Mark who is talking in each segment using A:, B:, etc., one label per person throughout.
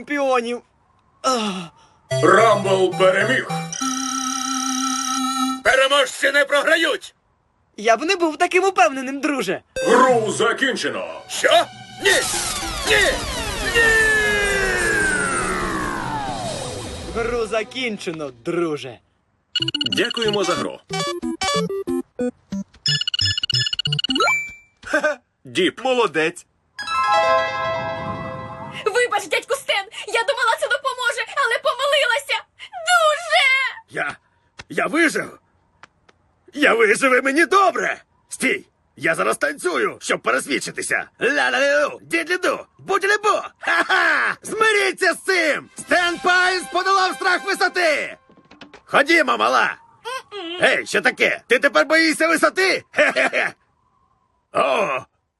A: чемпіонів.
B: Рамбл переміг. Переможці не програють.
A: Я б не був таким упевненим, друже.
B: Гру закінчено. Що? Ні! Ні! Ні!
A: Гру закінчено, друже.
B: Дякуємо за гру. Діп.
C: Молодець.
D: Вибач, дядьку Стен, я думала, це допоможе, але помилилася. Дуже!
C: Я вижив. Я вижив і мені добре. Стій. Я зараз танцюю, щоб пересвідчитися. Ля-ля-лю, дідлі-ду, будь-лі-бу. Ха-ха! Змиріться з цим! Стен Пайнс подолав страх висоти! Ходімо, мала! Ей, що таке? Ти тепер боїшся висоти? Хе-хе-хе! О!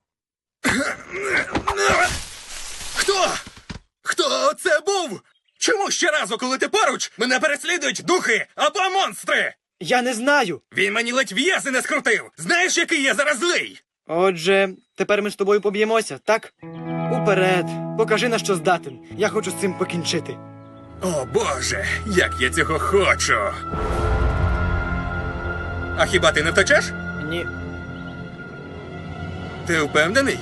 E: Хто це був? Чому щоразу, коли ти поруч, мене переслідують духи або монстри?
A: Я не знаю.
E: Він мені ледь в'язи не скрутив. Знаєш, який я зараз злий?
A: Отже, тепер ми з тобою поб'ємося, так? Уперед, покажи, на що здатен. Я хочу з цим покінчити.
E: О, Боже, як я цього хочу. А хіба ти не втечеш?
A: Ні.
E: Ти впевнений?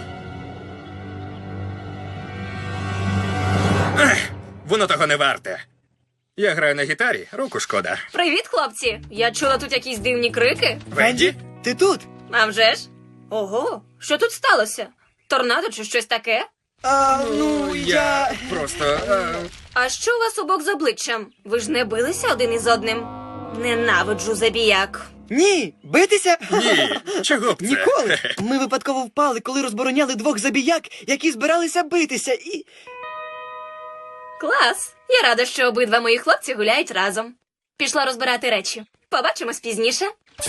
E: Ех, воно того не варте. Я граю на гітарі, руку шкода.
D: Привіт, хлопці. Я чула тут якісь дивні крики.
A: Венді, ти тут?
D: А вже ж? Ого, що тут сталося? Торнадо чи щось таке?
A: Я...
E: Просто...
D: А що у вас обох з обличчям? Ви ж не билися один із одним? Ненавиджу забіяк.
A: Ні, битися?
E: Ні, чого б це?
A: Ніколи. Ми випадково впали, коли розбороняли двох забіяк, які збиралися битися, і...
D: Клас! Я рада, що обидва мої хлопці гуляють разом. Пішла розбирати речі. Побачимось пізніше.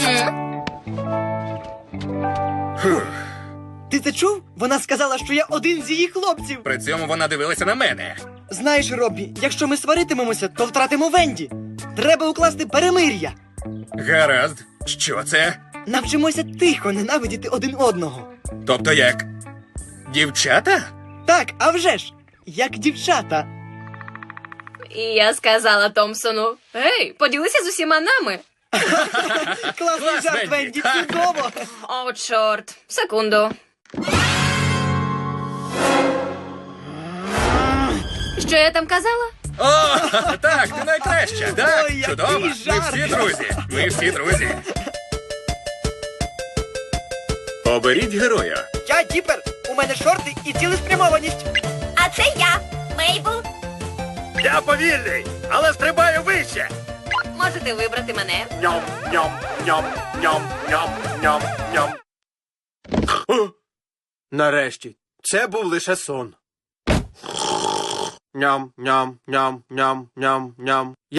A: Ти це чув? Вона сказала, що я один з її хлопців.
E: При цьому вона дивилася на мене.
A: Знаєш, Роббі, якщо ми сваритимемося, то втратимо Венді. Треба укласти перемир'я.
E: Гаразд. Що це?
A: Навчимося тихо ненавидіти один одного.
E: Тобто як? Дівчата?
A: Так, а вже ж, як дівчата.
D: І я сказала Томпсону: «Ей, поділися з усіма нами».
A: Класний
E: Клас,
A: жарт,
E: Венді.
A: Венді, чудово.
D: О, чорт. Секунду. Що я там казала?
E: О, так, ти найкраща. Так,
A: Ой, який
E: чудово. Ми
A: жарт.
E: всі друзі. Ми всі друзі.
B: Оберіть героя.
A: Я Діпер, у мене шорти і цілеспрямованість.
D: А це я, Мейбл.
C: Я повільний, але стрибаю вище.
D: Можете вибрати мене.
C: Ням, ням, ням, ням, ням, ням, ням. Нарешті, це був лише сон. Ням, ням, ням, ням, ням, ням.